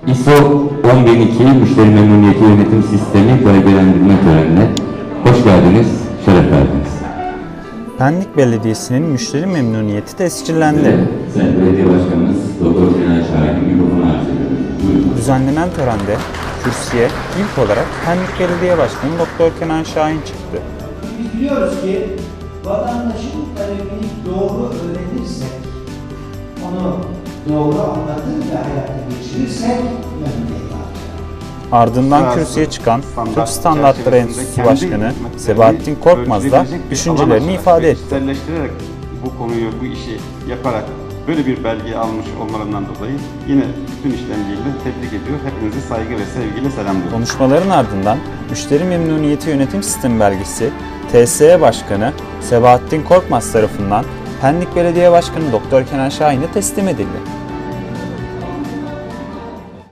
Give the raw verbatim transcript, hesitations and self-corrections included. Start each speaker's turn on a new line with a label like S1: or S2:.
S1: I S O on bin iki Müşteri Memnuniyeti Yönetim Sistemi belgelendirme törenine hoş geldiniz, şeref verdiniz.
S2: Pendik Belediyesi'nin müşteri memnuniyeti tescillendi.
S1: Evet, Sayın Belediye Başkanımız Doktor Kenan Şahin'in mikrofonu arz ediyorum. Buyurun.
S2: Düzenlenen törende kürsüye ilk olarak Pendik Belediye Başkanı Doktor Kenan Şahin çıktı.
S3: Biz biliyoruz ki vatandaşın talebini doğru öğrenirsek, onu doğru anlatır ve hayata geçirirsek memnuniyet alacağız.
S2: Ardından kürsüye çıkan Türk Standartları Enstitüsü Başkanı Sebahattin Korkmaz da düşüncelerini ifade etti.
S4: Kişiselleştirerek bu konuyu, bu işi yaparak böyle bir belge almış olmalarından dolayı yine bütün işlemciyle tebrik ediyor. Hepinizi saygı ve sevgiyle selamlıyorum.
S2: Konuşmaların ardından Müşteri Memnuniyeti Yönetim Sistemi belgesi T S E Başkanı Sebahattin Korkmaz tarafından Pendik Belediye Başkanı Doktor Kenan Şahin'e teslim edildi.